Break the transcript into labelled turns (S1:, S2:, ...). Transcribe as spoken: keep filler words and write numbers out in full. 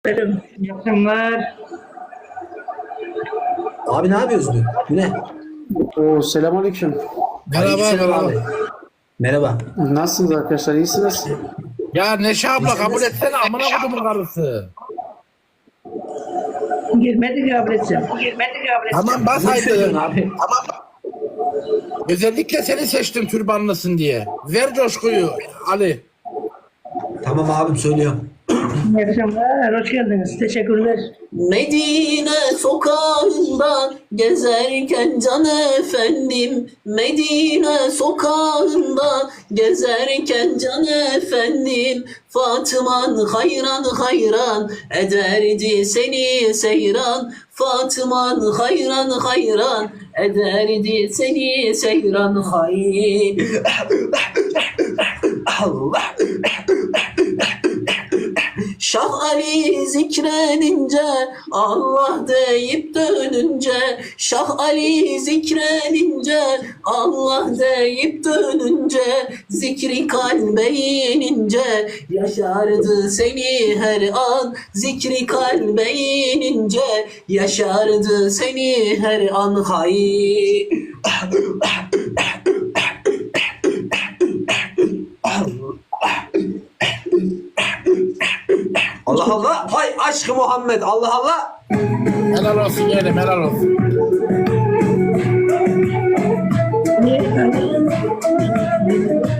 S1: Benim yakınlar.
S2: Abi ne yapıyorsun? Bu ne?
S3: Oo, selamünaleyküm.
S4: Merhaba,
S2: Aleykümselam
S4: merhaba.
S2: abi. Merhaba.
S3: Nasılsınız arkadaşlar? İyisiniz?
S4: Ya Neşe abla kabul etsene amına kodumun karısı.
S1: Girmedi kabul edeceğim. Girmedi kabul edeceğim.
S4: Tamam bas
S2: Ne
S4: haydi.
S2: söylüyorsun abi?
S4: Özellikle seni seçtim türbanlısın diye. Ver coşkuyu Ali.
S2: Tamam abim söylüyorum.
S1: İyi akşamlar. Hoş geldiniz. Teşekkürler.
S5: Medine sokağında gezerken can efendim, Medine sokağında gezerken can efendim, Fatıman hayran hayran ederdi seni seyran, Fatıman hayran hayran ederdi seni seyran. Hay Allah. Şah Ali zikredince, Allah deyip dönünce, Şah Ali zikredince, Allah deyip dönünce, zikri kalbe inince, yaşardı seni her an, zikri kalbe inince, yaşardı seni her an. Hay
S2: Allah Allah. Hay aşkı Muhammed. Allah Allah.
S4: Helal olsun yeğenim, helal olsun.
S1: Niye efendim?